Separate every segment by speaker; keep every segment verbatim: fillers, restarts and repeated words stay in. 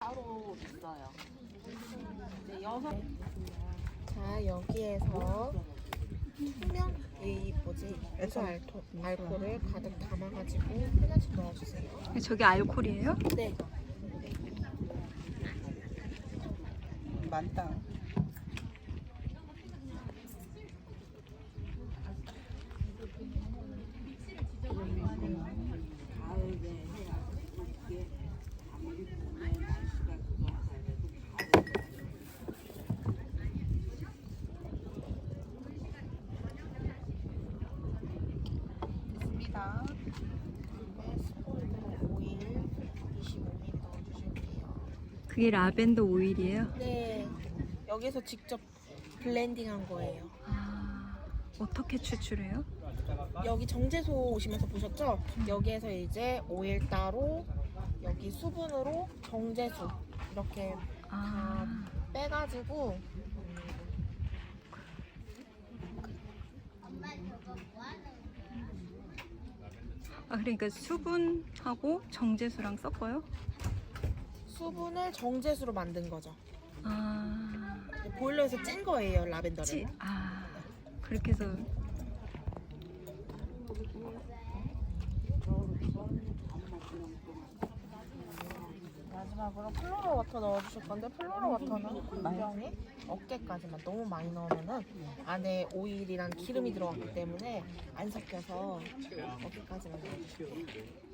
Speaker 1: 따로 있어요. 네, 여섯.
Speaker 2: 자, 여기에서 투명 이 뭐지 유수 알토, 알코올을 가득 담아가지고 하나씩 넣어주세요.
Speaker 3: 저게 알코올이에요?
Speaker 2: 네.
Speaker 1: 많다. 됐습니다.
Speaker 2: 스푼으로 오일 이십오 밀리리터 넣어주실게요.
Speaker 3: 그게 라벤더 오일이에요?
Speaker 2: 네. 여기서 직접 블렌딩한 거예요.
Speaker 3: 아, 어떻게 추출해요?
Speaker 2: 여기 정제소 오시면서 보셨죠? 여기에서 이제 오일 따로 여기 수분으로 정제수 이렇게
Speaker 3: 아,
Speaker 2: 빼가지고
Speaker 3: 아 그러니까 수분하고 정제수랑 섞어요?
Speaker 2: 수분을 정제수로 만든 거죠.
Speaker 3: 아,
Speaker 2: 보일러에서 찐 거예요, 라벤더를.
Speaker 3: 찌, 아 그렇게 해서
Speaker 2: 마지막으로 플로러 워터 넣어주실 건데 플로러 워터는 분명히 어깨까지만 너무 많이 넣으면은 안에 오일이랑 기름이 들어갔기 때문에 안 섞여서 어깨까지만 넣어주실게요.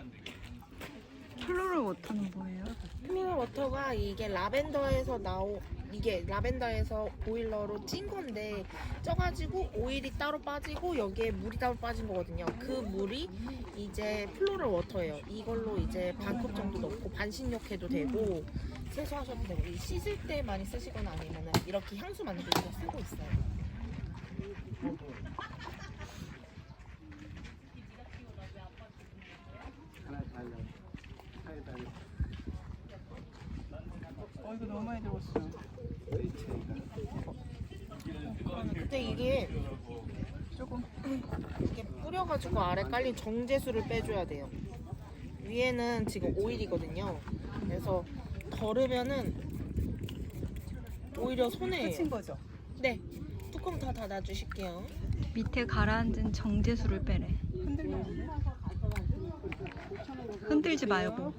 Speaker 3: 플로럴 워터는 뭐예요?
Speaker 2: 플로러 워터가 이게 라벤더에서 나오 이게 라벤더에서 보일러로 찐 건데 쪄가지고 오일이 따로 빠지고 여기에 물이 따로 빠진 거거든요. 그 물이 이제 플로러 워터예요. 이걸로 이제 반 컵 정도 넣고 반신욕해도 되고 세수하셔도 되고 이 씻을 때 많이 쓰시거나 아니면은 이렇게 향수 만들 때 쓰고 있어요.
Speaker 1: 어, 이거 너무 많이 들었어.
Speaker 2: 근데 이게
Speaker 1: 조금.
Speaker 2: 이렇게 뿌려가지고 아래 깔린 정제수를 빼줘야 돼요. 위에는 지금 오일이거든요. 그래서 덜으면은 오히려 손해예요.
Speaker 1: 끝인 거죠?
Speaker 2: 네, 뚜껑 다 닫아주실게요.
Speaker 3: 밑에 가라앉은 정제수를 빼래.
Speaker 1: 흔들면 안 돼?
Speaker 3: 흔들지 말고.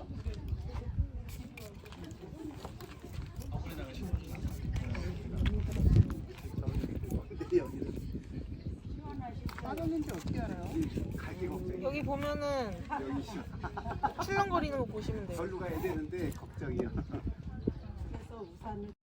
Speaker 1: 빠졌는지 어떻게 알아요?
Speaker 2: 여기 보면은 출렁거리는 거 보시면 돼요.
Speaker 4: 절로 가야 되는데 걱정이야.